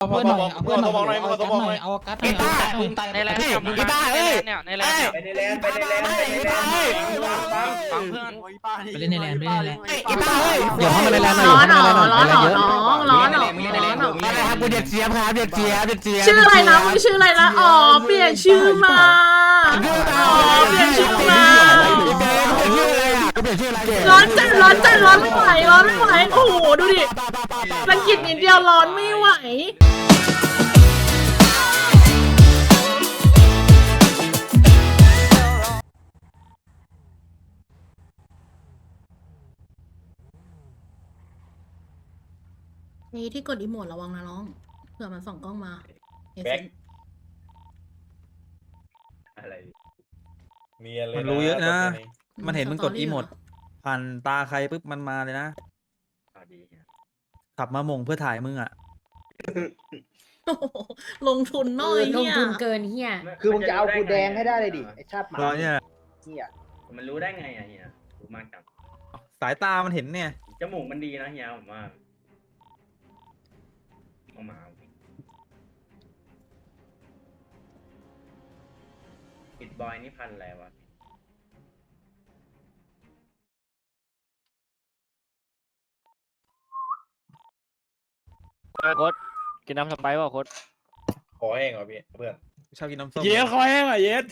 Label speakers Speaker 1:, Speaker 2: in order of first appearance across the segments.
Speaker 1: เพื่อนหน่อยเอาเพื่อนหน่อยเอากัดหน่อยเอากัดหน่อยเอากัดหน่อย
Speaker 2: ในแลนด์อีบ้าเอ้ยเนี่ยในแลนด์
Speaker 3: ไปในแลนไปในแลนไปในแลน
Speaker 2: ฟังเพื่อน
Speaker 1: ไปเล่นในแลนไปเล่นในแลน
Speaker 2: อีบ้าเอ้ย
Speaker 4: เดี๋ยวเข้ามาในแลนด์หน่อย
Speaker 5: ร้อนเหรอ
Speaker 4: เข้ามาในแลนด์หน่อย
Speaker 5: ร้อนเหรอน้องร้อนเหรอ
Speaker 2: อะไรครับกูเด็กเจี๊ยบครับเด็กเจี๊ยบเด็กเจี๊ยบ
Speaker 5: ชื่ออะไรนะมึงชื่ออะไรนะอ๋อเปลี่ยนชื่อมาอ๋อเปลี่ยนชื่อมา
Speaker 2: ชื่ออะไรอ่ะกูเปลี่ยนชื่ออะไร
Speaker 5: ร้อนจัดร้อนจัดร้อนไม่ไหวร้อนไม่ไหวโอ้โหดูดิรังกิจนิดเดียวร้อนไม่ไหวนี่ที่กดอีโมดระวังนะน้องเผื่อมันส่องกล้องมา
Speaker 3: แบ็คอะไรมีอะไร
Speaker 4: มันรู้เยอะนะ มันเห็นมึงกดอีโมดผ่านตาใครปุ๊บมันมาเลยนะขับมาหม่งเพื่อถ่ายมึงอ่ะ
Speaker 5: โอ้โหลงทุนน้อย
Speaker 6: ลง
Speaker 5: เนี่ย
Speaker 6: ทุนเกินเฮีย
Speaker 7: คือมึงจะเอากูแดงให้ได้เลยดิไอชาติหมา
Speaker 4: ตอนเนี้ย
Speaker 7: เฮีย
Speaker 3: มันรู้ได้ไงอะเฮียรู้มากจัง
Speaker 4: สายตามันเห็นเนี่ย
Speaker 3: จมูกมันดีนะเฮียผมว่าเอามาปิดบอยนี่พันอะไรวะ
Speaker 2: โค้ดกินน้ำสไปร์ป่ะโค้ด
Speaker 3: ขอแห้งเหรอพี่เพื่อน
Speaker 4: ชอบกินน้ำส้ม
Speaker 1: เย็ดคอยแห้งอ่ะเย็ด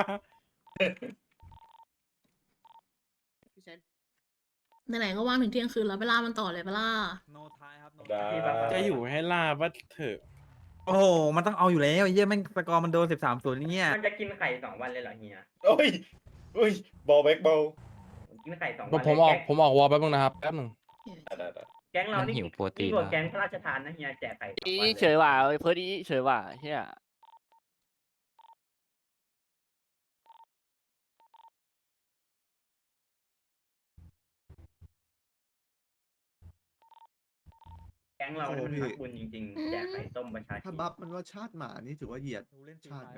Speaker 5: ไหนๆก็ว่างถึงเที่ยงคืนแล้วไปล่ามันต่อเลยไปล่า
Speaker 4: โนทายครับ
Speaker 3: ได้
Speaker 1: จะอยู่ให้ล่าว่าเถอะ
Speaker 4: โอ้โหมันต้องเอาอยู่แล้วไอ้เหี้ยแม่งสกอร์มันโดน13-0นี่เนี่ย
Speaker 3: มันจะกินไข่2 วันเลยเหรอเฮียโอ้ยโอ้ยบอลแบ็กบอลกินไข่2 วัน
Speaker 1: ผมออกวอลแป๊บนึงนะครับแป๊บนึง
Speaker 3: แก๊งเรานี่หิวโปรตีนกว่าแก๊งพระราชทานนะเฮียแจกไข่2
Speaker 2: อี
Speaker 3: วัน
Speaker 2: เฉยว่ะเพื่อนอีเฉยว่ะเฮีย
Speaker 3: แก๊งเราเนี่ยมันรักบุญจริงๆแจกไข่ต้มประชาช
Speaker 8: ถ้าน บัฟมันว่าชาติหมานี่ถือว่าเหยียด
Speaker 4: เล่น
Speaker 8: ชาติไหม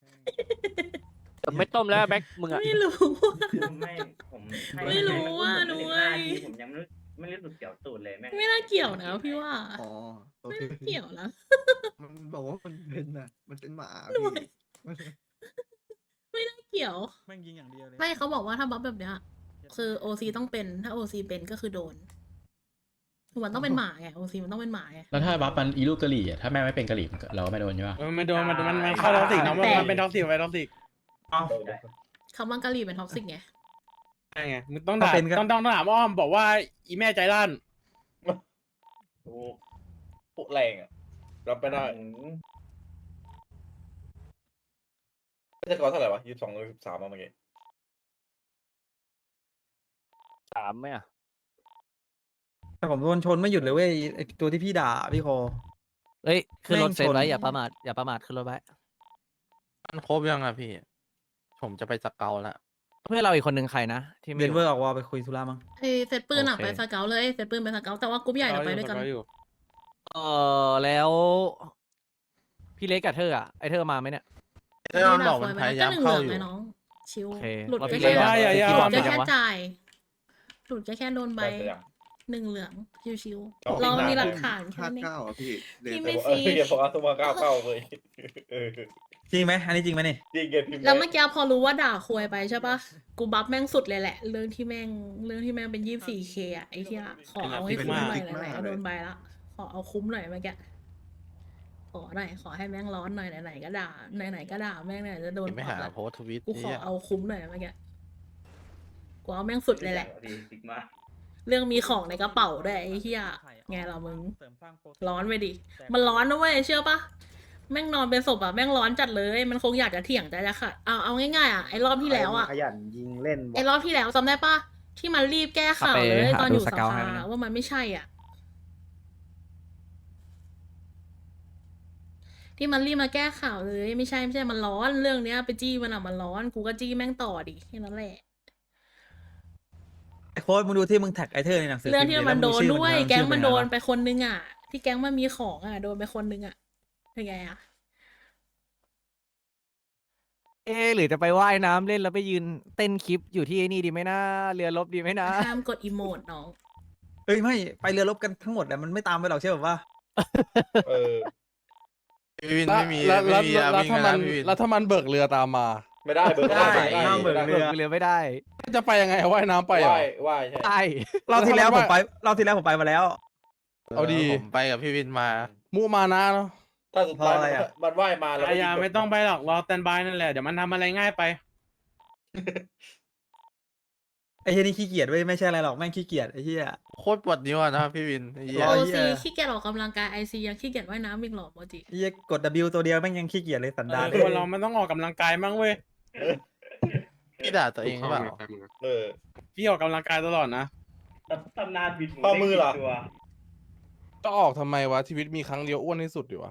Speaker 2: ไม่ต้มแล้วแบ็คมึงอ่ะ
Speaker 5: ไม่รู้
Speaker 3: ไม่ผมให้
Speaker 5: ไม่รู้ว่า
Speaker 3: ให้
Speaker 5: หนู
Speaker 3: มัน
Speaker 5: เว้ย
Speaker 3: ผมยังไม่รู้สึกเกี่ยวตูดเลยแม่ง
Speaker 5: ไม่น่าเกี่ยวนะพี่ว่า
Speaker 8: อ๋อโอ
Speaker 5: ไม่
Speaker 8: เค
Speaker 5: น่าเกี่ยวนะ
Speaker 8: มันบอกว่ามันเป็นนะมันเป็นหมา
Speaker 5: หน่
Speaker 8: พี่
Speaker 5: วย ไม่น่าเกี่ยว
Speaker 4: แม่งยิงอย่างเดียวเลย
Speaker 5: ไม่เขาบอกว่าถ้าบัฟแบบเนี้ยคือโอซีต้องเป็นถ้าโอซีเป็นก็คือโดนคือมันต้องเป็นหมาไงโอซีมันต้องเป็นหมาไง
Speaker 9: แล้วถ้าบัฟมันอีลูกกะหรี่อ่ะถ้าแม่ไม่เป็นกะหรี่เราก็ไม่โดนใช่ปะ
Speaker 1: ไม่โดนมันเข้าท็อกซิกนะมันเป็นท็อกซิกไปท็อกซิก
Speaker 5: คำว่ากะหรี่เป็นท็อกซิกไง
Speaker 1: ใช่ไงมึงต้องด่าต้องถามอ้อมบอกว่าอีแม่ใจร้าน
Speaker 3: ปุ๊แรงอ่ะรับไม่ได้ไม่ใช่กอเท่าไหร่วะ22 หรือ13มาเมื่อกี้
Speaker 2: 3ไหมอ่ะ
Speaker 4: แต่ผมโดนชนไม่หยุดเลยเว้ยไอ้ตัวที่พี่ด่าพี่โค
Speaker 10: เฮ้ยขึ้นรถเซฟไว้
Speaker 4: แม่งชน
Speaker 10: อย่าประมาทอย่าประมาทขึ้นรถไว้
Speaker 1: มันครบยังอ่ะพี่ ผมจะไปสเกลแล้ว
Speaker 10: เพื่อนเราอีกคนหนึ่งใครนะที่ไม่
Speaker 4: เด
Speaker 10: อน ยู่
Speaker 4: เวอร์ออกวอลไปคุยธุระมั้ง
Speaker 5: ไอเซตปืนอะ
Speaker 10: โอเค
Speaker 5: ไปสเกลเลยเซตปืนไปสเกลแต่ว่ากรุ๊ปใหญ่เราไปด้วยกัน
Speaker 10: แล้ว พี่เล็กกับเธออ่ะไอเธอมาไหมเนี่ย
Speaker 1: มันบอกมันพยายามเข้าอยู่
Speaker 5: ก็1 เหลืองไงน้องชิว
Speaker 10: โอเค
Speaker 5: หลุด
Speaker 10: เรา
Speaker 5: ก็
Speaker 10: พี่
Speaker 5: แค่
Speaker 10: เล็ก
Speaker 1: อย่า
Speaker 5: หลุดก็
Speaker 10: จั
Speaker 5: แค่
Speaker 10: งวะ
Speaker 5: จ่ายหลุดก็แค่โดนใบ
Speaker 3: ได้ยัง
Speaker 5: 1 เหลืองชิว
Speaker 3: เอา
Speaker 5: ๆเรามีหลักฐาน
Speaker 8: ชา
Speaker 5: แค่
Speaker 8: ติ
Speaker 5: นี้
Speaker 8: เก้าอ่ะพี่เด
Speaker 5: พี่
Speaker 8: น
Speaker 5: ไม่
Speaker 3: อย่าพอเอาตัวมาก้าวเลยเออ
Speaker 4: จริงไหมอันนี้จริงไหมนี่
Speaker 3: จริงไงพิมพ์
Speaker 5: แล้วเมื่อกี้พอรู้ว่าด่าควยไปใช่ปะกูบัฟแม่งสุดเลยแหละ เรื่องที่แม่งเป็น 24K อะไอ้ที่ขอเอาให้คุ้มหน่อยไหนๆก็โดนใบละขอเอาคุ้มหน่อยเมื่อกี้ขอหน่อยขอให้แม่งร้อนหน่อยไหนๆก็ด่าไหนๆก็ด่าแม่งไหนจะโดน
Speaker 1: ไม่
Speaker 5: ปรั
Speaker 1: หา
Speaker 5: บละ
Speaker 1: โพสทวิต
Speaker 5: กูขอเอาคุ้มหน่อยเมื่อกี้กูเอาแม่งสุดเลยแหละ
Speaker 3: ซิกมา
Speaker 5: เรื่องมีของในกระเป๋าด้วยไอ้เหี้ยไงล่ะมึง ร้อนไปดิ มันร้อนนะเว้ยเชื่อปะแม่งนอนเป็นศพอะแม่งร้อนจัดเลย มันคงอยากจะเถียงแต่จะขัดเอาง่ายๆอะไอ้รอบที่แล้วอะ
Speaker 7: ขยันยิงเล่น
Speaker 5: ไอ้รอบที่แล้วจำได้ปะที่มันรีบแก้ข่าวเลยตอนอยู่สภา
Speaker 10: ให้มันนะ
Speaker 5: ว่ามันไม่ใช่อ่ะ ที่มันรีบมาแก้ข่าวเลยไม่ใช่มันร้อนเรื่องเนี้ยไปจี้มันอะมันร้อนกูก็จี้แม่งต่อดิแค่นั้นแหละ
Speaker 4: ไอ้โค้ดมึงดูที่มึงแท็กไอเธอในหนังสือ
Speaker 5: เรื่องที่มันโดนด้วย
Speaker 4: ชื่อ
Speaker 5: แก๊งมันโดน
Speaker 4: ชื่อ
Speaker 5: ไปคนนึงอ่ะ ที่แก๊งมันมีของอ่ะโดนไปคนนึงอ่ะเป็นไงอ่ะ
Speaker 10: หรือจะไปว่ายน้ำเล่นแล้วไปยืนเต้นคลิปอยู่ที่ไอ้นี่ดีไหมนะเรือรบดีไหมนะ
Speaker 5: ห้ามกดอีโมดน้อง
Speaker 4: เอ้ยไม่ไปเรือรบกันทั้งหมดแหละมันไม่ตามไปหรอกใช่ป่ะว่า
Speaker 3: เออ
Speaker 8: พี่วิน
Speaker 1: แล้ว
Speaker 8: ไม่มี
Speaker 1: แล้ว
Speaker 8: ไม่มี
Speaker 1: แล้ว
Speaker 8: วิ่ง
Speaker 1: ถ้า
Speaker 8: กั
Speaker 1: มัน น
Speaker 8: นะพี่วิน
Speaker 1: แล้วถ้ามันเบิกเรือตามมา
Speaker 3: ไม่ได้เบิร์
Speaker 4: ได้ห้ามเบิกเรือ
Speaker 10: เรือไม่ได้
Speaker 1: จะไปยังไงว่ายน้ำไปเหรอ
Speaker 3: ว่ายใช่
Speaker 10: ใช่
Speaker 4: เราที่แล้วผมไปมาแล้ว
Speaker 1: เอาดี
Speaker 8: ผมไปกับพี่วินมา
Speaker 1: มุมานะเนาะ
Speaker 3: ถ้าสุดท้าย
Speaker 4: เพราะอะไรอะ
Speaker 3: มันว่ายมาแล้ว
Speaker 1: อย่าไม่ต้องไปหรอกรอสแตนบายนั่นแหละเดี๋ยวมันทำอะไรง่ายไป
Speaker 4: ไอ้เฮียนี่ขี้เกียจเว้ยไม่ใช่อะไรหรอกแม่งขี้เกียจไอ้เฮีย
Speaker 8: โคตรปวดนิ้วอะนะครับพี่วินไอ้เหี้ย
Speaker 4: ร
Speaker 5: โอ
Speaker 4: เหี้
Speaker 5: ซี
Speaker 4: ย
Speaker 5: ขี้เกียจออกกำลังกายไอซียังขี้เกียจว่ายน้ำอีกหรอโมจิ
Speaker 4: ไอ้เฮียกด W ตัวเดียวแม่งยังขี้เกียจเลยสันดาน
Speaker 1: คนเรามันต้องออกกำลังกายบ้างเว้ย
Speaker 8: พี่ด่าตัวเองหรือเปล่า
Speaker 1: พี่ออกกำลังกายตลอดนะ
Speaker 3: ตำนานบิดข้อมือเหรอ
Speaker 1: ก็ออกทำไมวะชีวิตมีครั้งเดียวอ้วนที่สุดดีวะ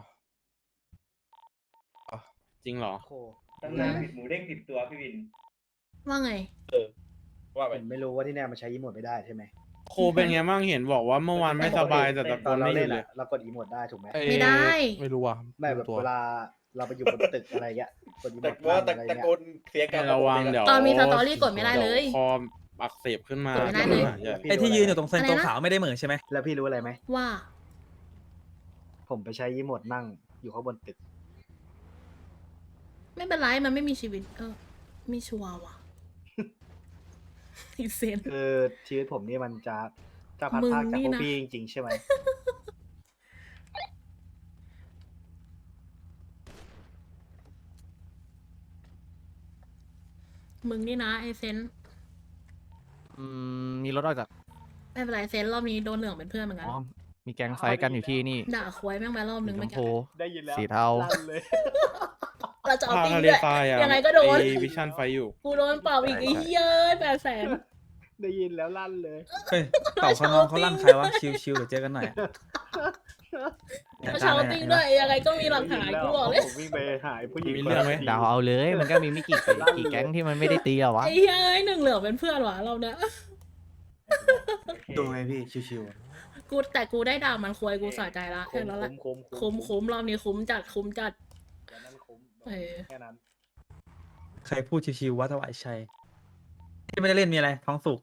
Speaker 1: จริงเหรอ
Speaker 3: ตำนานบิดหมูเด้ง10 ตัวพี่วิน
Speaker 5: ว่าไง
Speaker 3: ว่าไป
Speaker 7: ผมไม่รู้ว่าที่เนี่ยมันใช้อีโมดไม่ได้ใช่ไหม
Speaker 1: โคเป็นไงบ้างเห็นบอกว่าเมื่อวานไม่สบายแต่ตะโก
Speaker 7: ตอน
Speaker 1: น
Speaker 7: เรา
Speaker 1: ไม่หยุ
Speaker 7: เล่
Speaker 1: ด
Speaker 7: น
Speaker 1: เลย
Speaker 7: อะเรากดอีโมดได้ถูกไหม
Speaker 5: ไม่ได้
Speaker 1: ไม่รู้ว่ะ
Speaker 7: ไม่แบบ
Speaker 1: ตัว
Speaker 7: เวลาเราไปอยู่บนตึกอะไรเงี้ยกดอีโม
Speaker 3: แต่
Speaker 7: ด
Speaker 3: ว่า
Speaker 7: อะไร
Speaker 3: ตะ
Speaker 7: เงี้ย
Speaker 3: โกนเสียงกัน
Speaker 1: ระวังเดี๋ยว
Speaker 5: ตอนมีสตอรี่กดไม่ได้เลย
Speaker 1: ดี๋วคออักเสบขึ้นมาก
Speaker 5: ดไม่ได้เลย
Speaker 1: ใช่
Speaker 4: ไอ้ที่ยืนอยู่ตรงเส้น
Speaker 5: อะไร
Speaker 4: ตัว
Speaker 5: นะ
Speaker 4: ขาวไม่ได้เหมือนใช่ไหม
Speaker 7: แล้วพี่รู้อะไรไหม
Speaker 5: ว่า
Speaker 7: ผมไปใช้อีโมดนั่งอยู่ข้างบนตึก
Speaker 5: ไม่เป็นไรมันไม่มีชีวิต มีชัวร์ว่ะ อีเซน
Speaker 7: คือชีวิตผมนี่มันจะพัด
Speaker 5: มึง
Speaker 7: พรากจาก
Speaker 5: นี่
Speaker 7: พวก
Speaker 5: นะ
Speaker 7: พี่จริงๆใช่ไหม
Speaker 5: มึงนี่นะไอเซน
Speaker 10: มีรถออกจาก
Speaker 5: ไม่เป็นไรเซนรอบนี้โดนเหลืองเป็นเพื่อนเหมือนกัน
Speaker 10: อ๋อมีแก๊งไฟท์กันอยู่ที่นี่
Speaker 5: ด่าควายแม่งไปรอบนึง
Speaker 10: สีช
Speaker 5: เมื่อ
Speaker 10: ม
Speaker 5: กี้
Speaker 10: พู
Speaker 7: ได้ยินแล้ว
Speaker 10: สีเทา
Speaker 7: ลั่นเลย
Speaker 5: เราจะเอา
Speaker 1: พา
Speaker 5: ตี
Speaker 1: ทะเล
Speaker 5: ด้วย
Speaker 1: ทรายอ่ะ
Speaker 5: ยังไงก็โดน
Speaker 1: วิชั่นไฟอยู่
Speaker 5: กูโดนเปล่าอีกไอ้เหี้ย800,000
Speaker 7: ได้ยินแล้วลั่นเลย
Speaker 4: เฮ้ยเต่าขนองเขาลั่นใครวะชิวๆเดี๋ยวเจอกันหน่อย
Speaker 5: เขาเชาติ้งด้วยยังไงก็มีหลักฐานกูบอกเลย
Speaker 7: ผมวิ่งไปหายผู้หญิง
Speaker 1: มีเรื่องไหม
Speaker 10: ดาวเอาเลย มันก็มีไม่กี่แก๊งที่มันไม่ได้ตีอะวะ
Speaker 5: ไอ้เหี้ยหนึ่งเหลืองเป็นเพื่อนวะเราเนี่ย
Speaker 8: ดูไงพี่ชิว
Speaker 5: แต่กูได้ด่ามันควายกูสะใจละแค่นั้นแหละ คุ้มรอบนี้คุ้มจัด เออ
Speaker 7: แค่นั้น
Speaker 4: ใครพูดชิวๆว่าถวายชัยที่ไม่ได้เล่นมีอะไรท้องสุก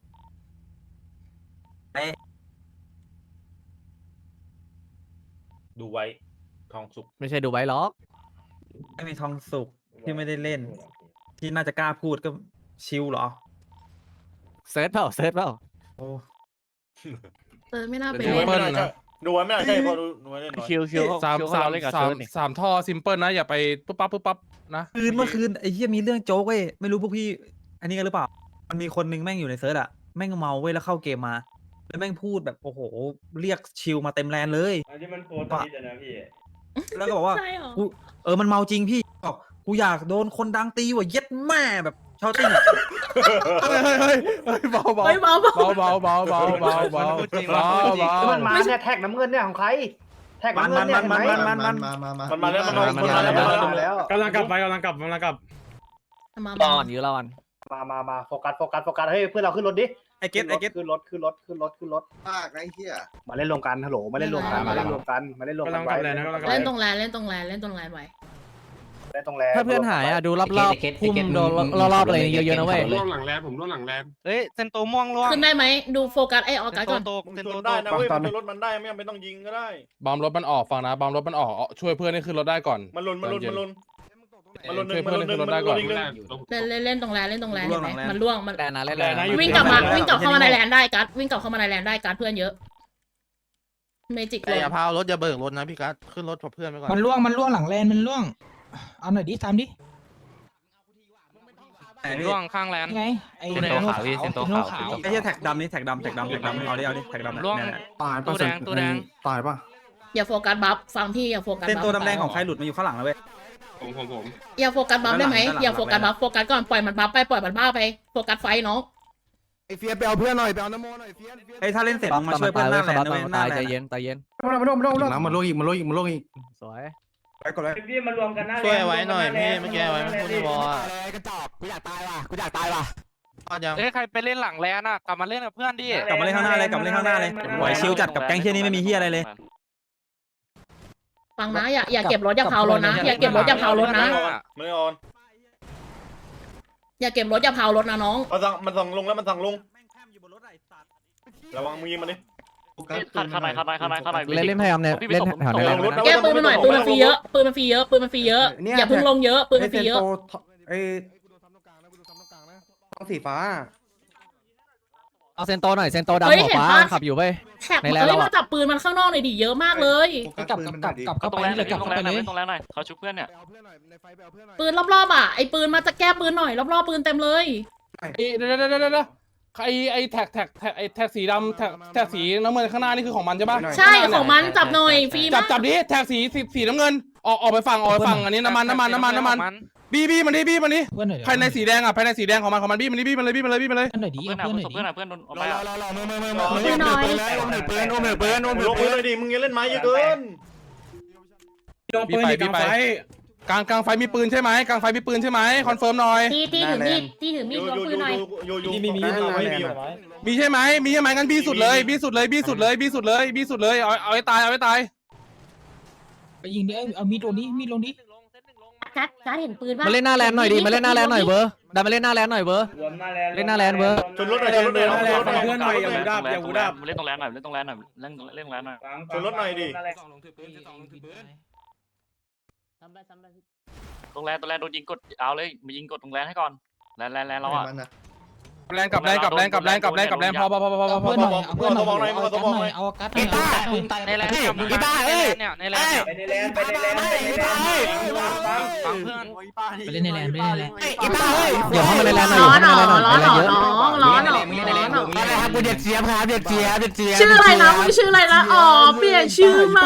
Speaker 3: ดูไว้ทองสุก
Speaker 10: ไม่ใช่ดูไว้หรอก
Speaker 4: ไม่มีท้องสุกที่ไม่ได้เล่น ที่น่าจะกล้าพูดก็ชิวเหรอ
Speaker 10: เซิร์ชเปล่า
Speaker 4: โอ้
Speaker 5: ไม่น่าไป
Speaker 1: ดู
Speaker 5: เล่น
Speaker 1: ไว้นะ
Speaker 3: ดูไว้ไม่ได้ใช่พอดูไว้เล่นน้อย
Speaker 2: คิว
Speaker 1: สาม
Speaker 2: เราเล่นกับเซิร์ชนี่
Speaker 1: สามท่อซิมเปิลนะ อย่าไปปุ๊บปั๊บนะ
Speaker 4: เมื่อคืนไอ้เหี้ยมีเรื่องโจ๊กเว้ยไม่รู้พวกพี่ อันนี้กันหรือเปล่า มันมีคนนึงแม่งอยู่ในเซิร์ชอะแม่งเมาเว้ยแล้วเข้าเกมมา แล้วแม่งพูดแบบโอ้โห เรียกชิลมาเต็มแลนเลย
Speaker 3: อันที่มันโพสต์ทวิตนะพี่
Speaker 4: แล้วก็บอกว่า
Speaker 5: ใช่หรอ
Speaker 4: กูมันเมาจริงพี่บอกกูอยากโดนคนดังตีว่ะเย็ดแม่แบบชาวติ้งอะ
Speaker 1: เฮ้ยเบา
Speaker 5: เฮ้ยเบา
Speaker 7: แล้วมันมาเนี่ยแท็กน้ำเงินเนี่ยของใคร แท็กน้ำเงินเนี่ยเห็นไหม
Speaker 8: ๆมัน
Speaker 3: มันมาแล้วมันมาแล้ว
Speaker 7: แล้ว
Speaker 1: กำลังกลับ
Speaker 5: มา
Speaker 10: รอก่อนอยู่รอก่อน
Speaker 7: มาโฟกัสเฮ้ยเพื่อนเราขึ้นรถดิ
Speaker 4: ไอเก็ต
Speaker 7: ขึ้นรถ
Speaker 8: ภาคไอ้เหี้ย
Speaker 7: มาเล่นรวมกันฮัลโหลมาเล่นรวมกันไว้
Speaker 1: กำลังกลับเลยนะ
Speaker 5: เล่นตรงแลนไว้
Speaker 7: เล่นตรงแล
Speaker 10: ถ้าเพื่อนหายอะดูรอบๆพุ่มโดนรอบๆอะไรเยอะๆนะเว้ย
Speaker 6: ร่วงหลังแลนผมร่วงหลังแลนเฮ้ยเซนโตม่วงร่วง
Speaker 5: ขึ้นได้ไหมดูโฟกัสไอออกัสก่อน
Speaker 3: เซนโตได้นะเว้ยมันรถมันได้ไม่ต้องยิงก็ได้
Speaker 1: บอมรถมันออกฟังนะบอมรถมันออกช่วยเพื่อนให้ขึ้นรถได้ก่อน
Speaker 3: มันลุน
Speaker 1: ช่วยเพื่อนให้ขึ้นรถได้ก่อน
Speaker 5: เล่นตรงแลนเห็นไหมมันล่วงมัน
Speaker 10: แลนนะเล่น
Speaker 1: แลนนะ
Speaker 5: วิ่งกลับเข้ามาในแลนได้กัสวิ่งกลับเข้ามาในแลนได้กัสเพื่อนเยอะเมจิก
Speaker 8: แต่อย่าพาวรถอย่าเบิกรถนะพี่กัสขึ้นรถกับเพื่อนไปก่อน
Speaker 6: มันร่วงหลังแลนมันร่วงเอาหน่อยดิทำดิ
Speaker 4: ร่วง
Speaker 6: ข้างแลนไงไอ้
Speaker 9: เซนโตขาวพี่เซนโตขาว
Speaker 4: ไอ้เหี้ยแท็กดำนี่แท็กดำเอาดิแท็กดำ
Speaker 6: ร่วง
Speaker 4: เนี่ย
Speaker 8: ตายป่ะตัวแดงตายป่ะ
Speaker 5: อย่าโฟกัสบัฟฟังพี่อย่าโฟกัส
Speaker 4: เส้น
Speaker 5: บัฟ
Speaker 4: ตัวดำแดงของใครหลุดมาอยู่ข้างหลังแล้วเว้ย
Speaker 6: ผม
Speaker 5: อย่าโฟกัสบัฟได้ไหม
Speaker 4: ด้านหลัง
Speaker 5: อย่าโฟกัสบัฟโฟกัสก่อนปล่อยมันบัฟไปปล่อยมันบ้าไปโฟกัสไฟน้อง
Speaker 8: ไอ้เฟียไปเอาเพื่อนหน่อยไปเอาน้ำโมหน่อยเฟีย
Speaker 4: ไอ้ถ้าเล่นเสร็จมึงมาช่วยเพื่อนหน้าแลนด์ด้วยหน้า
Speaker 10: ตาย
Speaker 4: แล
Speaker 10: ใจ
Speaker 4: นด์
Speaker 10: เย็นใจเย็น
Speaker 8: น้ำมันโลกอีก
Speaker 10: สวย
Speaker 4: ไปก่อนเลย
Speaker 3: พี่มารวมกันหน้า
Speaker 8: ช่วยไว้หน่อยพี่เมื่อกี้ไว้ไม่พูดในวอลอ่ะ
Speaker 10: กระจอกกูอยากตายว่ะ
Speaker 8: ยัง
Speaker 6: เอ้ยใครไปเล่นหลังแลนอ่ะกลับมาเล่นกับเพื่อนดิ
Speaker 4: กลับมาเล่นข้างหน้าเลยไหวชิลจัดกับแก๊งเชี่ยนี้ไม่มีเฮียอะไรเลย
Speaker 5: ฟังนะอย่าเก็บรถอย่าเผารถนะอย่าเก็บรถอย่าเผารถนะ
Speaker 3: ไม่ออน
Speaker 5: อย่าเก็บรถอย่าเผารถนะน้อง
Speaker 3: มันสั่งลงแล้วมันสั่งลงระวังมือมันดิ
Speaker 2: ข้างใน
Speaker 10: เล่นพยายามเนี่ยเล่นแถวนี้
Speaker 5: แก้ปืนมาหน่อยปืนมันฟรีเยอะปืนมันฟรีเยอะปืนมันฟรีเยอะอย่าเพิ่งลงเยอะปืนมันฟรีเยอะ
Speaker 8: ไอ้ต้องสีฟ้า
Speaker 10: เอาเซนโตหน่อยเซนโตดำหัวฟ้าขับอยู่เว้ย
Speaker 5: แท็ก
Speaker 10: ใน
Speaker 5: เฮ้
Speaker 10: แลนด์
Speaker 5: ย
Speaker 10: เราอะ
Speaker 5: มาจับปืนมันข้างนอกหน่อยดิเยอะมากเลย
Speaker 6: กลับเข้าไปนี่เลยกลับเข้าไปเลย
Speaker 2: ตรงแรกหน่อยเขาชุบเพื่อนเนี่ย
Speaker 5: ปืนรอบๆอ่ะไอ้ปืนมาจะแก้ปืนหน่อยรอบๆปืนเต็มเลย
Speaker 1: เดี๋ยวไอ้แท็กสีดำแท็กสีน้ำเงินข้างหน้านี่คือของมันใช่ปะ
Speaker 5: ใช่ของมันจับหน่อยฟรี
Speaker 1: จั
Speaker 5: มา
Speaker 1: บ
Speaker 5: ก
Speaker 1: จับดิแท็กสีน้ำเงินออกไปฝั่งอันนี้น้ำมันบี้มันดิมันดิ
Speaker 6: เพื่อนหน่อย
Speaker 1: ภายในสีแดงอ่ะภายในสีแดงของมันบี้มันดิบี้มันเลย
Speaker 6: เพื่อนหน่อยดิ
Speaker 2: เพื่อน
Speaker 6: เพื่อนหน่อยดิ
Speaker 2: เพื่อนโดนเอาไปอ่ะ
Speaker 5: ปืนหน่อย
Speaker 8: ปืนเลยดิมึงยังเล่นไม้เยอะเกิน
Speaker 1: ลงปืนกลางไฟกลางไฟมีปืนใช่ไหมกลางไฟมีปืนใช่ไหมคอนเฟิร์มหน่อย
Speaker 5: ตีถือมีดลงปืนหน่อย
Speaker 1: มีใช่ไหมงั้นบี้สุดเลยเอาให้ตาย
Speaker 6: ไปยิงดิเอามีดลงดิ
Speaker 5: กัดเห็นปืนป่ะ
Speaker 10: มาเล่นหน้าแลนหน่อยดิมาเล่นหน้าแลนหน่อยเบอร์ดันมาเล่นหน้าแลนหน่อยเบอร์
Speaker 3: รวมหน้าแลน
Speaker 10: เล่นหน้าแลนเบอร์
Speaker 8: ชนรถหน่อยชนรถหน่อย
Speaker 1: เพื่อนหน่อยอย่าหูดับ
Speaker 2: เล่นตรงแรนหน่อยเล่นตรงแรนหน่อยเล่นตรงแรนหน่อย
Speaker 8: ชนรถหน่อยดิ
Speaker 2: ตรงแรนโดนยิงกดเอาเลยมายิงกดตรงแรนให้ก่อนแลนเราอ่ะ
Speaker 1: แรงกับแรงพอ
Speaker 6: เพื่อนหน่อยเอาเพื่อนหน่อยเอากัดหน่อยปืนตายในแลนด์ในแลนด์ไปเล่นในแลนด์ไปเล่นในแลนด์
Speaker 10: เดี๋ยวเข้ามาในแลนหน่อย
Speaker 5: ร้อนหนอ
Speaker 10: กูเด็กเจี๊ยบครับเด็กเจี๊ยบ
Speaker 5: ชื่ออะไรนะมึงชื่ออะไรนะอ๋อเปลี่ยนชื่อมา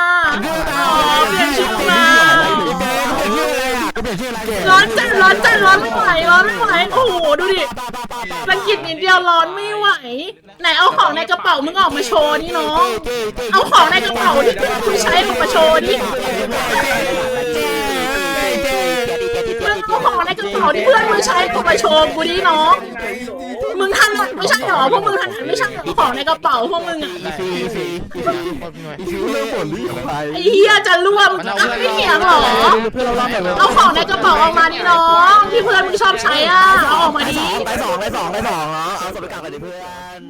Speaker 5: ร้อนจัดร้อนไม่ไหวโอ้โหดูดิรังกิจนิดเดียวร้อนไม่ไหวไหนเอาของในกระเป๋ามึงออกมาโชว์นี่น้องเอาของในกระเป๋าที่คุณใช้ออกมาโชว์นี่มึงเอาของในกระเป๋าที่เพื่อนมึงใช้ออกมาโชว์กูดิน้องมึงถนัดไม่ใช่หรอพวกมึงถนัดไม่ใช่หรอของในกระเป๋าพวกมึงอ่ะไอ้เหี้ยจะรั่วมึงไม่เถียงหรอเอาของในกระเป๋าออกมาดิน้องที่เพื่อนมึงชอบใช้อ่ะเอาออกมาดิ
Speaker 8: ไปสองเนาะเอาสมการกันดิเพื่อน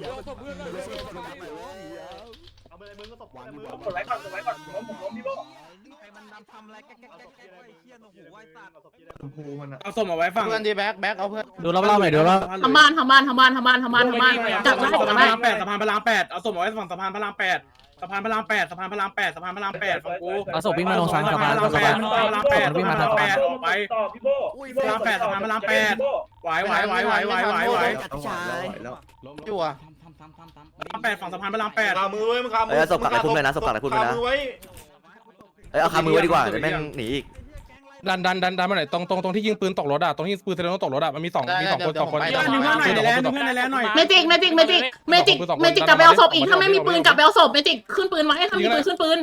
Speaker 1: เอาส่งมาไว้ฝั่ง
Speaker 8: เพื่อนดีแบ็คเอาเพื่อน
Speaker 10: ดูรอบๆหน่อยดูรอบ
Speaker 5: ทำบ้านจับได้
Speaker 1: สะพานพระราม8เอาส่งมาไว้ฝั่งสะพานพระราม8ฝั่งกู
Speaker 10: เอาศพวิ่งมาลงซ้ายสะพาน
Speaker 1: พระราม8วิ่งมาทาง8ออกไป
Speaker 3: ต่อพี่โบ้
Speaker 1: พระราม8สะพานพระราม8ไหว
Speaker 8: อยู่อ่ะ
Speaker 1: พระราม8ฝั่งสะพานพระราม8
Speaker 8: ขามือไว้มึงขามือ
Speaker 7: ศพกลับไปพุ่มเลยนะศพกลับไปพุ่มเลยนะ
Speaker 8: ขามือไว้
Speaker 7: เอาขามือไว้ดีกว่าเดี๋ยวแม่งหนีอีก
Speaker 1: ดันมาหน่อยตรงที่ยิงปืนตกรถอ่ะตรงที่ปืนเซเลโนตกรถอ่ะมันมี2คน
Speaker 8: ไป
Speaker 1: ดึงเพื่อนหน่อยในแลนหน่อย
Speaker 5: เมจิกกลับไปเอาศพอีกถ้าไม่มีปืนกลับไปเอาศพเมจิกขึ้นปืนไว้ถ้ามีปืนขึ้นปืน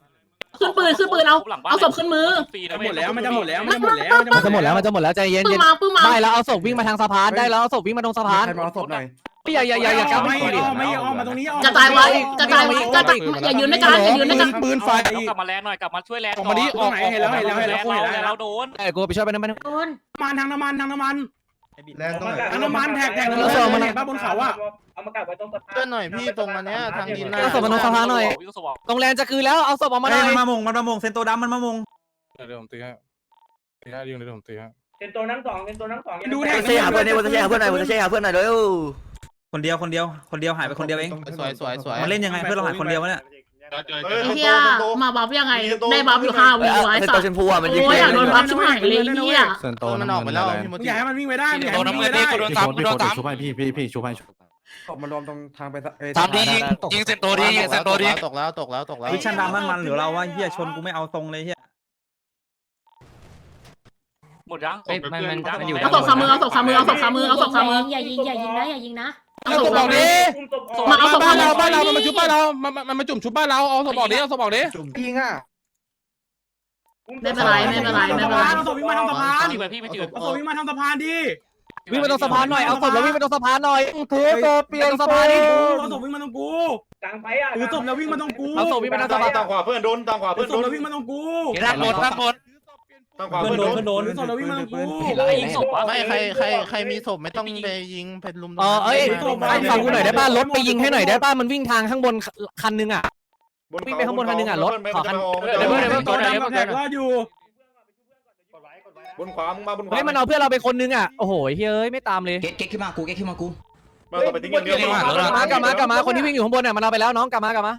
Speaker 5: เอาศพขึ้นมือ
Speaker 1: มันจะหมดแล้ว
Speaker 10: มันจะหมดแล้วใจเย็น
Speaker 5: ปื้มมา
Speaker 10: ได้แล้วเอาศพวิ่งมาทางสะพานได้แล้วเอาศพวิ่งมาตรงสะพาน
Speaker 8: เอาศพหน่อย
Speaker 10: อย่าก้าว
Speaker 1: ไม่ออกมาตรงนี้
Speaker 5: กระจายไว้อย่ายืนด้วยกัน
Speaker 1: ปืนไฟ
Speaker 2: กลับมาแลนหน่อยกลับมาช่วยแลน
Speaker 1: ออกมาดิออกไหนเห็นแล้ว
Speaker 2: เราโดน
Speaker 10: กูไปช่วยไปนั่น
Speaker 5: โดน
Speaker 1: ทางน้ำมัน
Speaker 8: แรงตรงไหน
Speaker 1: น้ำมันแท็กบ้าบนเขาอ่ะ
Speaker 3: เอามากักไว้ตรงสะพาน
Speaker 8: เพื่อนหน่อยพี่ตรงอันเนี้ยทางดิน
Speaker 10: เอาศพมาตรงสะพานหน่อยตรงแลนจะคือแล้วเอาศพออกมาหน่อย
Speaker 4: มันมามงเซนโตดำมันมามง
Speaker 1: เดี๋ยวผมตีให้ยิงเดี๋ยวผมตีให้
Speaker 3: เป็นตัวนั่งสอง
Speaker 1: ดู
Speaker 7: เชหาเพื่อนนี่วันเชหาเพื่อนหน่อยเร็ว
Speaker 4: คนเดียวหายไปคนเดียวเอง
Speaker 8: สวย
Speaker 4: มันเล่นยังไงเพื่อนเราหายคนเดียววะเนี่ย
Speaker 5: ไอ้เหี้ยมาบัฟยังไงได้บัฟอยู่5 วิไว้
Speaker 7: เซน
Speaker 5: สั
Speaker 7: โต
Speaker 5: ตว์
Speaker 7: ชมพูอ่ะมันยิง
Speaker 5: โอ้ยอยากโดนบัฟชิบหายเลยเหี้ย
Speaker 8: มันออกไปแล้วพี่มด
Speaker 1: อยากให้มันวิ่งไปได้
Speaker 8: ชุบให้พี่ชุบให้มันรวมตรงทางไป
Speaker 6: ยิงเซนโตดิยิงเซนโตดิ
Speaker 8: ตกแล้ว
Speaker 4: วิชันดำมันหรือเราว่าเฮียชนกูไม่เอาตรงเลยเฮีย
Speaker 2: หมดยังมันอยู่
Speaker 5: เอาศพขามืออย่ายิงนะเอาศพ
Speaker 1: บอกดิ
Speaker 5: มาเอาศพ
Speaker 1: บ้านเรามันมาชุบบ้านเรามันมาจุ่มชุบบ้านเราเอาศพบอกดิ
Speaker 8: ยิงอ่ะ
Speaker 5: ไม่เป็นไร
Speaker 1: เอาศพวิ่งมาทางสะพาน
Speaker 2: พี่ไปพี่ไม่จืด
Speaker 1: เอาศพวิ่งมาทางสะพานดิ
Speaker 10: วิ่งมาตรงสะพานหน่อยเอาศพแล้ววิ่งมาตรงสะพานหน่อยเทปเปลี่ยนสะพานดิ
Speaker 1: เอาศพวิ่งมาตรงกู
Speaker 3: กลางไฟอ่ะ
Speaker 1: ถือศพแล้ววิ่งมาตรงกู
Speaker 10: เอาศพวิ่งมาตรงสะพาน
Speaker 8: ต่างขวาเพื่อนโดนต่างขวา
Speaker 1: ถื
Speaker 8: เพื่
Speaker 1: อ
Speaker 8: อน
Speaker 1: ศ
Speaker 8: โด
Speaker 1: พ
Speaker 8: น
Speaker 1: แล้ววิ่งมาตรงกู
Speaker 6: ด้านบน
Speaker 3: ต้องความ
Speaker 1: เพื่อนโดน
Speaker 3: เพื่
Speaker 1: เพื่อนโดนที่สอนเราวิ่งมากู
Speaker 2: ยิงศพวะ
Speaker 8: ไม่ใครมีศพไม่ต้องไปยิงเป็นลุม
Speaker 10: เอ้ยฟังกูหน่อยได้ป่ะรถไปยิงให้หน่อยได้ป่ะมันวิ่งทางข้างบนคันนึงอ่ะ วิ่งไปข้างบนคันหนึ่งอะรถขอคัน
Speaker 1: เดี๋ยวเพื่อนตัวดำมาแท็กรอดอยู่
Speaker 3: บนขวามึงมาบนขวา
Speaker 10: เฮ้ยมันเอาเพื่อนเราไปคนนึงอ่ะโอ้โหเฮ้ยไม่ตามเลย
Speaker 6: เก๊กขึ้นมากูเก๊กขึ้นมากู
Speaker 3: มาต่อไปทิ้งอย่างเดียว
Speaker 10: กลับมาคนที่วิ่งอยู่ข้างบนเนี่ยมันเอาไปแล้วน้องกลับมากดไว้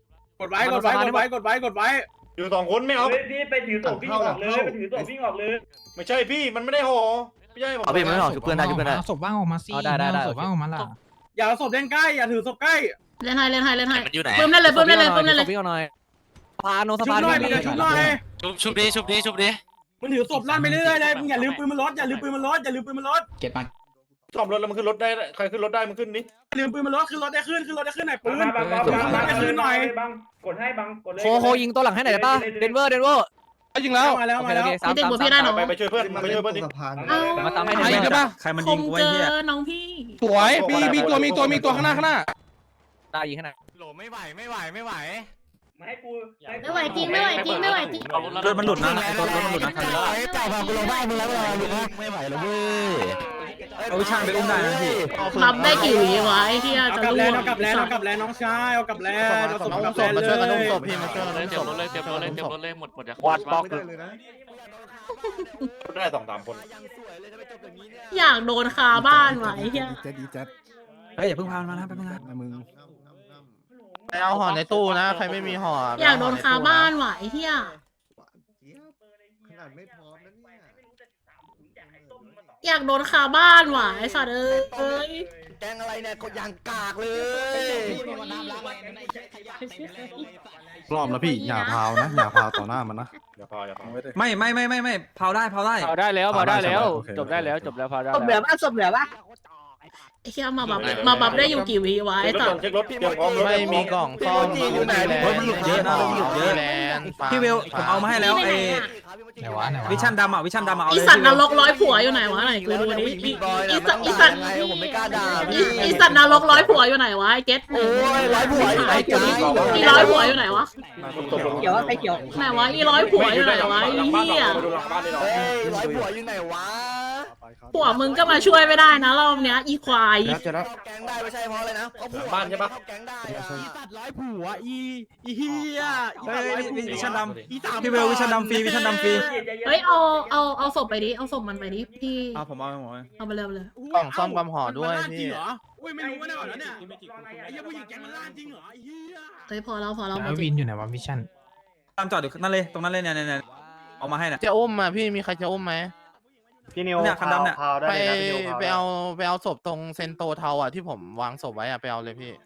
Speaker 3: อยู่2 คนไม่เอา
Speaker 7: พี่ไปถือศพวิ่งออกเลยไปถือศพวิ่งออกเลย
Speaker 3: ไม่ใช่พี่มันไม่ได้ห่อไม่ใช่ผม
Speaker 8: เอาพี่ไม่ออกชุบเพื่อนได้ชุบเพื่อนได้
Speaker 9: ศพว่างออกมาสิ
Speaker 10: ได้
Speaker 9: ศพว่างออกมาล่ะ
Speaker 1: อย่าศพเล่นใกล้อย่าถือศพใกล้
Speaker 5: เล่นให้
Speaker 8: มันอยู่ไหน
Speaker 5: เพิ่มได้เลยเพิ่มได้เลย
Speaker 10: วิ่งหน่อยพาโนส
Speaker 1: ชุบ
Speaker 10: พาน
Speaker 1: หน่อยมึงอย่าชุบหน่อย
Speaker 8: ชุบดิ
Speaker 1: มึงถือศพลั่นไปเรื่อยๆเลยมึงอย่าลืมปืนมันรถอย่าลืมปืนมันรถ
Speaker 6: เก็บมา
Speaker 3: ซ่อมรถแล้วมันขึ้นรถได้ใครขึ้นรถได้มันขึ้นนี่
Speaker 1: ลืมปืนมันรถขึ้นรถได้ขึ้นหน่อยปืน
Speaker 7: บังกดให้บังกดเลย
Speaker 10: โคยิงตัวหลังให้หน่อยได้ป่ะเดนเวอร์
Speaker 1: ยิงแล้วมาแล้ว
Speaker 5: พี่เด็กบอกพี่ได้หรอ
Speaker 3: ไปช่วยเพื่อนไปช่วยเพื่อนดิ
Speaker 10: มาตามให้
Speaker 1: ใครใช่ปะ
Speaker 4: ใครมัน
Speaker 5: ค
Speaker 4: ยิง
Speaker 5: ม
Speaker 4: กูไว้
Speaker 5: เกิ
Speaker 4: เหี้ย
Speaker 5: นน้องพี่
Speaker 1: สวยมีตัวข้างหน้า
Speaker 10: ได้ยิงให้หน่อย
Speaker 8: โหลไม่ไหว
Speaker 5: ไม่ไหวจริง
Speaker 4: รถมันหลุดนะรถมันหลุดนะ
Speaker 8: เจ้าพากูลงบ้านมึงแล้วไม่ไหวแล้วเว้ย
Speaker 4: เอาวิชาไปอุ้มได้นะพี่
Speaker 5: บัฟได้กี่วิวะไอ้ที่
Speaker 1: เอา
Speaker 5: จะ
Speaker 1: กลับ
Speaker 5: รู้
Speaker 1: แล้วเอากลับแล้วน้องชายเอากลับแล้วเอาศพกลับ
Speaker 8: มาช่วยกัน
Speaker 1: เล
Speaker 8: อุ้ม
Speaker 1: ย
Speaker 8: ศพพี่มาช่วยกัน
Speaker 2: เต
Speaker 8: อุ้ม
Speaker 2: รีย
Speaker 8: ศ
Speaker 2: ม
Speaker 8: พ
Speaker 2: รถเลยหมดอย่า
Speaker 3: วัดบล็อกได้2-3 คน
Speaker 5: อยากโดนคาบ้านว่ะไอ้ที่
Speaker 4: เฮ้ยอย่าเพิ่งพามันมานะแป๊บนึงนะ
Speaker 8: ไปเอาห่อในตู้นะใครไม่มีห่อ
Speaker 5: อยากโดนคาบ้านว่ะไอ้ที่ อยากโดนคาบ้านว่ะไอ้สัตว์เอ้ย
Speaker 8: แกงอะไรเนี่ยก็ยางกากเลย
Speaker 9: รอบแล้วพี่อย่าพาวนะอย่าพาวต่อหน้ามันนะ
Speaker 3: อย่าพอ
Speaker 4: ไม่เผาได้
Speaker 10: พาได้แล้วจบได้แล้วพาได้
Speaker 5: ศพเหลือปะไอ้ที่มาบัฟได้อยู่กี่วิวะไอ้สัตว์
Speaker 3: เช็ครถเตรียมพร้อมรถ
Speaker 8: ไม่มีกล่องซ่อมอยู่ไหน
Speaker 4: มันหลุดเยอะนะมันหลุดเยอะ พี่เวลผมเอามาให้แล้วไอ้วิชั่นดำอ่ะวิชั่นดำเอา
Speaker 5: อี
Speaker 4: เลย
Speaker 5: สัตว์นรกร้อยผัวอยู่ไหนวะไหนกูดูดิอีสัตว์
Speaker 8: ผมไม่กล้าด่า
Speaker 5: อีสัตว์นรกร้อยผัวอยู่ไหนวะไอ้เก็ต
Speaker 8: โอ้ยร้อยผัวอยู่ไหนจ้า
Speaker 5: อีร้อยผัวอยู่ไหนวะ
Speaker 7: เกี่ยวใครเกี่ยว
Speaker 5: ไหนวะอีร้อยผัวอยู่ไหนวะไอ้เหี้ย
Speaker 8: เฮ้ยร้อยผัวอยู่ไหนวะ
Speaker 5: ผัวมึงก็มาช่วยไม่ได้นะรอบเนี้ยอีควาย
Speaker 8: แก๊งได้ไม่ใช่เพราะอะไรนะเขาผัว
Speaker 3: บ้านใช่ปะ
Speaker 8: แก๊งได้
Speaker 10: สัตว์ร้อยผัวอีเฮีย
Speaker 4: วิชั่นดำพี่เวลวิชั่นดำฟรีวิชั่นดำฟรี
Speaker 5: เฮ้ยเอาศพไปดิเอาศพมันไปดิพี่
Speaker 4: ผมเอา
Speaker 5: เอาไปเลย
Speaker 8: กล่องซ่อมความห่อด้วยพี่
Speaker 1: อุ้ยไม่รู้ว่าเนี่ยแล้วเนี่ยไอ้เหี้ยผู้หญิงแกงมันล่าจริงเหรอไอ้เหี้ย
Speaker 5: เฮ้ยพอเราหมด
Speaker 9: วินอยู่ไหนวะวิชั่น
Speaker 4: ตามจอดอยู่นั่นเลยตรงนั้นเลยเนี่ยเอามาให้น่ะ
Speaker 8: จะอุ้มอ่ะพี่มีใครจะอุ้มไหม
Speaker 7: พี่นิว
Speaker 4: เนี่ยคันดำเนี่ย
Speaker 7: พาวได้
Speaker 8: ไป
Speaker 7: เลยนะพี่นิวพาว
Speaker 8: ไปเอาศพตรงเซนโตเทาอ่ะที่ผมวางศพไว้อ่ะไปเอาเลยพี่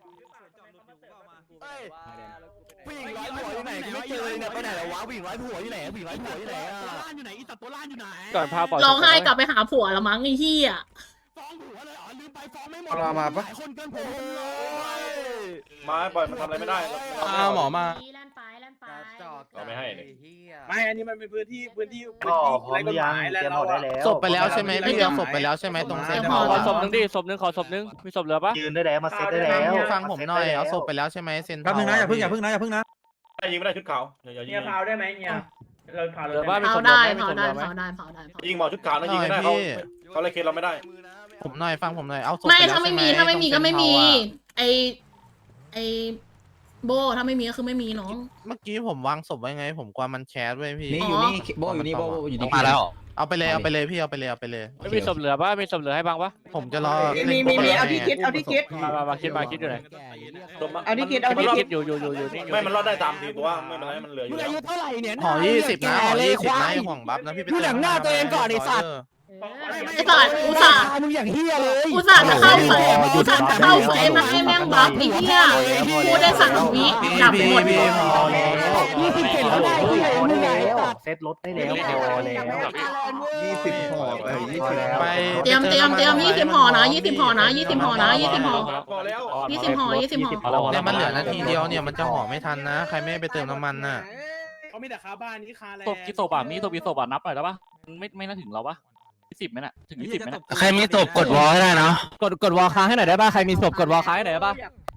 Speaker 8: ผู้หญิงร้อยผัวอยู่ไหนไม่เจอเลยเนี่ยไปไหนแล้ววะผู้หญิงร้อยผัวอยู่ไหนผู้หญิงร้อยผัวอยู่ไหนอ่ะ
Speaker 1: อยู่ไหนอีสัตว์ตัวล่านอยู่ไหน
Speaker 10: ก่อนพาปล่อย
Speaker 5: ร้องไห้กลับไปหาผัวละมั้งไอ้เหี้ย
Speaker 1: ฟ้องผัวเลยเหรอลืมไปฟ้องไม่หมด
Speaker 9: เอามาปะ
Speaker 1: คนเกินผม
Speaker 3: มาปล่อยมันทำอะไรไม่ได้
Speaker 1: หมอมา
Speaker 3: เราไม่ให้เลย
Speaker 1: ไม่อันนี้มันเป็นพื้นที่
Speaker 7: ก็พร้อมหรือยังเตรียมหมดได้แล้ว
Speaker 8: ศพไปแล้วใช่ไหมพี่เอาศพไปแล้วใช่ไหมตรงเซนโต
Speaker 10: ขอศพนึงดิศพนึงขอศพนึงมีศพเหลือปะ
Speaker 7: ยืนได้แล้วมาเซตได้แล้ว
Speaker 8: ฟังผมหน่อยเอาศพไปแล้วใช่ไหมเซนโต
Speaker 4: แป๊บนึงนะอย่าเพิ่งนะ
Speaker 3: ได้ยิงไม่ได้ชุดขาวอย่ายิ
Speaker 7: เนี่ย
Speaker 3: ง
Speaker 7: พาวได้ไหมเนี่ยเราพาว
Speaker 10: เหลือปะมี
Speaker 5: เผา
Speaker 10: ศพ
Speaker 5: ได้
Speaker 10: เหลือ
Speaker 5: เผา
Speaker 10: ไหม
Speaker 5: ได้
Speaker 10: มีศพเหลือไหม
Speaker 5: เผาได้เผาได้
Speaker 3: ยิงหมอชุดขาวนะยิงไม่ได้เขาเลยเคสเราไม่ได้
Speaker 8: ผมหน่อยฟังผมหน่อยเอาศพ
Speaker 5: ไม่
Speaker 8: ปแล้ว
Speaker 5: ถ้าไม่มี
Speaker 8: ใช่ห
Speaker 5: ถ้าไม่มีก็ไม่มี
Speaker 8: ตรงเซ็นทรัลอะ
Speaker 5: ไอโบถ้าไม่มีก็คือไม่มีน้อง
Speaker 8: เมื่อกี้ผมวางศพไว้ไง ผมกลัวมันแคสไว้พี่
Speaker 6: นี่อยู่นี่โบอยู่นี่โบอยู่นี่
Speaker 8: มาแล้วเอาไปเลยพี่เอาไปเลย
Speaker 10: ไม่มีศพเหลือปะมีศพเหลือให้บ้างปะ
Speaker 8: ผมจะรอ
Speaker 7: มีเอาที่คิดเอาที่คิด
Speaker 10: มาคิดอยู่ไหน
Speaker 7: เอาที่คิดเอาที่คิด
Speaker 10: อยู่นี่
Speaker 3: ไม่มันรอดได้3-4ตัวไม่เป็นไรมันเหลืออยู่แล้ว
Speaker 10: เท่าไหร่เนี่ย
Speaker 8: ห่อ20นะห่อ20นะห่วงบัฟนะพี่ไปเติม
Speaker 10: ดูหนังหน้าตัวเองก่อนไอ้สัตว์
Speaker 5: ไอ้สัตว์อุตส่าห์
Speaker 10: มึงอย่างเฮียเลย
Speaker 5: อุตส่าห์จะเข้าเฟรมอุตส่าห์จะเข้าเฟรมมาให้แม่งบัฟไอ้เหี้ยพูดได้3 วิดับหมด
Speaker 8: พี่พอแล้ว
Speaker 10: 20เข็นแล้วได้เฮียมึงไง
Speaker 7: เซตรถได้แล้วพอแล้ว
Speaker 9: 20ห่อไป
Speaker 8: ไป
Speaker 5: เตรียม20ห่อนะ20ห่อนะ20ห่อนะ20ห่อ
Speaker 3: พอแล้ว
Speaker 5: 20ห่อ20ห่อ
Speaker 8: เนี่ยมันเหลือนาทีเดียวเนี่ยมันจะห่อไม่ทันนะ ใครไม่ไปเติมน้ำมันน่ะ
Speaker 1: เขามีแต่คาบ้านนี้คาแล้ว
Speaker 2: ศพกี่ศพอ่ะมีศพกี่ศพอ่ะนับหน่อยได้ปะไม่น่าถึงเราปะ10ไหมน่ะถึง20ไหมน่ะ
Speaker 9: ใครมีศพกดวอลให้ได้นะ
Speaker 10: กดวอลค้างให้หน่อยได้ป่ะใครมีศพกดวอลค้างให้หน่อยได้ป่ะ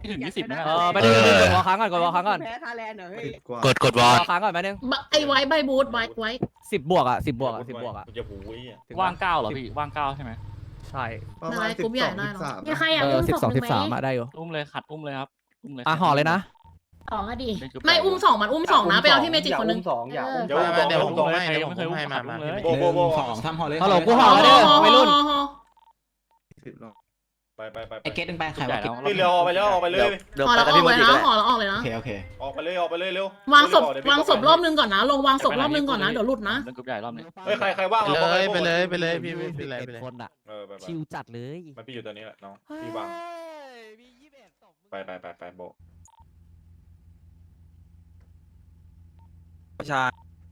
Speaker 2: ไม่ถึง20นะ
Speaker 10: ไปนึงกดวอลค้างก่อนกดวอลค้างก่อน
Speaker 7: แพ้ทาแลนด์เหรอเฮ้ย
Speaker 8: กดวอล
Speaker 10: วอลค้างก่อนไปนึง
Speaker 5: ไอ้ไว้ใบบูทไว้
Speaker 10: 10 บวกอ่ะ10 บวกอ่ะ10 บวกอ่ะ
Speaker 3: กูจะหูยอ่ะ
Speaker 2: ว่าง9เหรอพี่ว่าง9ใช่ไหม
Speaker 10: ใช่
Speaker 5: นายกรุ๊ปใหญ่ได้หรอ
Speaker 11: มีใครอยากอุ้มศพหนึ่งไหม
Speaker 10: 12 13ได้อยู่
Speaker 2: อุ้มเลยขัดอุ้มเลยครับอุ้มเลย
Speaker 10: ห่อเลยนะ
Speaker 11: สองก็ดี
Speaker 5: ไม่อุ้มสองมันอุ้มสองนะไปเอาที่เมจิคนนึง
Speaker 7: สองอย่าอุ้ม
Speaker 3: เดี๋ยวผมบอก
Speaker 2: เดี๋ยว
Speaker 3: ผ
Speaker 2: ผม ม
Speaker 3: บอก
Speaker 2: ให้
Speaker 3: ให้
Speaker 2: ใครยังไม่เคยอุ้มขัดอุ้มเลย
Speaker 3: โบโบโบ
Speaker 8: ทำห่อเลย
Speaker 10: ฮัลโหลกูห่อแล้วเด้อวัยรุ่น
Speaker 3: ไป
Speaker 9: ไอเกตตึงไปใคร
Speaker 2: ใหญ่
Speaker 9: วะ
Speaker 2: แล้ว
Speaker 3: นี่เร็วออกไปแล้วออกไปเลย
Speaker 5: ห่อแล้วออกเลยนะห่อแล้วออกเลย
Speaker 9: โอ
Speaker 5: นะ
Speaker 9: เคโอเค
Speaker 3: ออกไปเลยออกไปเลยเร็ว
Speaker 5: วางศพรอบนึงก่อนนะลงวางศพรอบนึงก่อนนะเดี๋ยวหลุดนะ
Speaker 2: เล่นกลุ่มใหญ่รอบนี้
Speaker 3: เฮ้ยใครว่าง
Speaker 8: ไปเลยพี่ไปเลย
Speaker 10: คนอ่ะ
Speaker 3: ไป
Speaker 10: ชิวจัดเลย
Speaker 3: มันพี่อยู่ตัวนี้แหละน้องพี่ว่างไปโบ
Speaker 4: ประชา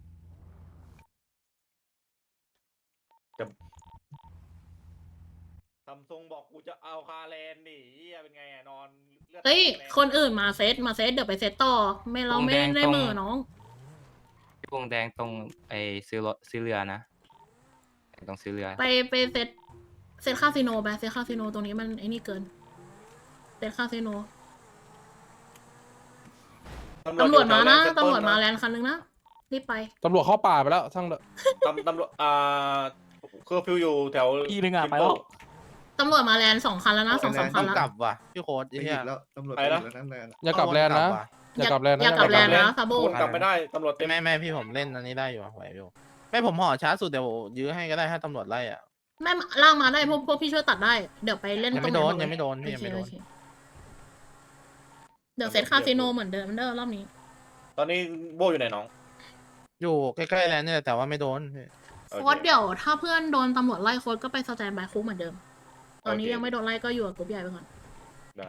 Speaker 3: ซัมซุงบอกกูจะเอาคาแลนดิเฮียเป็นไงนอน
Speaker 5: เฮ้ยคนอื่นมาเซตเดี๋ยวไปเซตต่อไม่เราไม่ได้มือน้อง
Speaker 6: วงแดงตรงไอ้ซื้อรถซื้อเรือนะตรงซื้อเรือ
Speaker 5: ไปเซตคาสิโนไปเซตคาสิโนตรงนี้มันไอ้นี่เกินเซตคาสิโนตำรวจมานะตำรวจมาแลนด์คันนึงนะรีบไป
Speaker 1: ตำรวจเข้าป่าไปแล้วช่างเถอะ
Speaker 3: ตำรวจเคอร์ฟิวอยู่แถว
Speaker 2: อีนึงอ่ะไปแล้ว
Speaker 5: ตำรวจมาแลนด์2 คันแล้วนะ2-3 คันแล้ว
Speaker 8: กลับว่ะพี่โค้ดไอ้เหี้ยแล้วตำรวจ
Speaker 1: อย่ากลับแลนด์นะอย่ากลับแลนด์นะ
Speaker 5: อย่ากลับแลนด์นะซาโบ
Speaker 3: วนกลับไม่ได้ตำรวจเต็ม
Speaker 8: ไม่พี่ผมเล่นอันนี้ได้อยู่ไหวอยู่ไม่ผมห่อช้าสุดเดี๋ยวยื้อให้ก็ได้ถ้าตำรวจไล่อ่ะ
Speaker 5: แม่ล่างมาได้พวกพี่ช่วยตัดได้เดี๋ยวไปเล่น
Speaker 8: ยัง
Speaker 5: ตรง
Speaker 8: ไม่โดน
Speaker 5: ห
Speaker 8: ยังไม่โดนพี่ยังไม่โดน
Speaker 5: โอเคเดี๋ยวเซตคาสิโนเหมือนเดิมรอบนี้
Speaker 3: ตอนนี้โบอยู่ไหนน้อง
Speaker 8: อยู่ใกล้ๆแล้วเนี่ยแต่ว่าไม่โดน
Speaker 5: โค้ดเดี๋ยวถ้าเพื่อนโดนตำรวจไล่โค้ดก็ไปสแตนบายคุกเหมือนเดิม ตอนนี้ยังไม่โดนไล่ก็อยู่กับกลุ่มใหญ่ไปก่อน
Speaker 3: ได้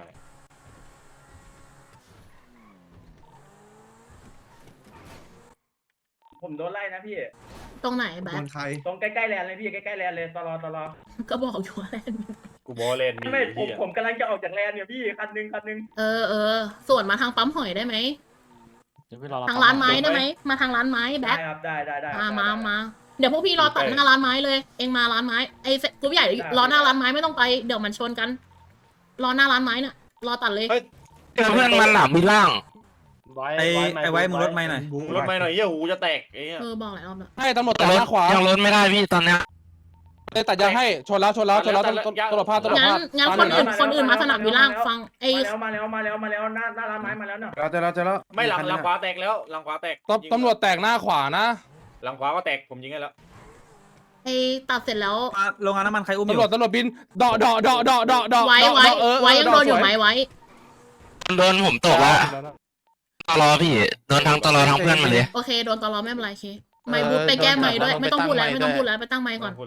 Speaker 3: ผมโดนไล่นะพี่
Speaker 5: ตรงไหนแบ๊ก
Speaker 3: ตรงใกล้ๆแลนเลยพี่ใกล้ๆแลนเลยตลอด
Speaker 5: ก็บอกอยู่ว่าแลนด์
Speaker 3: กูบอเลนไม่ผมกำลังจะออกจากแลนเนี่ยพี่คันนึง
Speaker 5: เออส่วนมาทางปั๊มหอยได้ไหม
Speaker 2: เดี๋ยวพี่รอ
Speaker 5: ทางร้านไม้ได้ไหมมาทางร้านไม้แบ๊ก
Speaker 3: ครับได้
Speaker 5: มาเดี๋ยวพวกพี่รอตัดหน้าร้านไม้เลย เองมาร้านไม้ไอ้กลุ่มใหญ่รอหน้าร้านไม้ไม่ต้องไปเดี๋ยวมันชนกัน รอหน้าร้านไม้น่ะรอตัดเลย
Speaker 6: เพื่อนมันหลับมีล่าง
Speaker 4: ไอ้ไว้มึงรถไม่หน่อย
Speaker 3: รถไม่หน่อยเหี้ยหูจะแตกไอ้เหี้ย
Speaker 5: บอกหลายรอบแล้ว
Speaker 1: ให้ตำรวจตัดหน้าขวา
Speaker 6: ยังรถไม่ได้พี่ตอนเนี้ย
Speaker 1: เลยตัดยางให้ชนแล้วตำรวจพลาด
Speaker 5: งั้นคนอื่นมาสนามวิลล่างฟังไอ้
Speaker 3: มาแล้วหน้าร้านไม้มาแล้วเนาะ
Speaker 8: เราจะแล้ว
Speaker 3: ไม่หลังขวาแตกแล้วหลังขวาแตก
Speaker 1: ตำรวจแตกหน้าขวานะ
Speaker 3: หลังขวาก็แตกผมยิงให้แล้ว
Speaker 5: ไอ้ตัดเสร็จแล้ว
Speaker 4: โรงงานน้ำมันใครอุ้มอยู่
Speaker 1: ตำรวจบินเดาะ
Speaker 5: ไว้ยังโดนอยู่ไหมไว้
Speaker 6: โดนผมตกแล้วตลอพี่โดนทั้งตลอทั้งเพื่อนมาเลย
Speaker 5: โอเคโดนตลอดไม่เป็นไรเคไม่บูทไปแก้ไม้ด้วยไม่ต้องพูดแล้วไปตั้งไม้ก่อน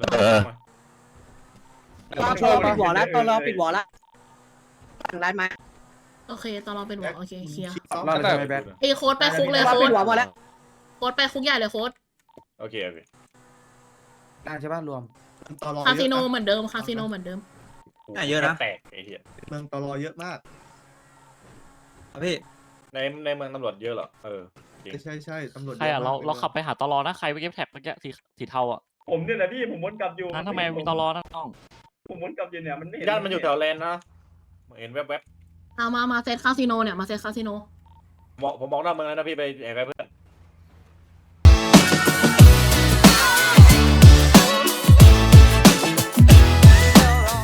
Speaker 1: ช่วย
Speaker 7: ปิดหัวแล้วตอนรอปิดหัวแล้วร้านไม้
Speaker 5: โอเคตลอดเป็นหัวโอเคเคลียร์
Speaker 8: รอดเลยใช่ไหมแบ๊ก
Speaker 5: ไอ้โค้ดไปคุกเลยโค้
Speaker 7: ปิ
Speaker 5: ด
Speaker 7: ดหัวหมดแล้ว
Speaker 5: โค้ดไปคุกใหญ่เลยโค้ด
Speaker 3: โอเค
Speaker 8: ใช่ป่ะรวม
Speaker 5: คาสิโนเหมือนเดิม
Speaker 4: เยอะนะ
Speaker 3: แตกไอ้เหี้ย
Speaker 8: เมืองตลอเยอะมาก
Speaker 4: พี่
Speaker 3: ในเมืองตำรวจเยอะเหรอ
Speaker 8: ใช่ตำรวจ
Speaker 2: ใครอ่ะเราขับไปหาตลอนะใครไปเก็บแท็บเมื่อกี้สีเทาอ่ะ
Speaker 3: ผมเนี่ยแหละพี่ผมวนกลับอยู่
Speaker 2: นั้นทำไมมีตลอนะน้อง
Speaker 3: ผมวนกลับอยู่เนี่ยมันไม่ย่านมันอยู่แถวแลนนะเห็นแวบ
Speaker 5: เอามาเซตคาสิโนเนี่ยมาเซตคาสิโน
Speaker 3: ผมบอกหน้าเมืองแล้วนะพี่ไปแอบ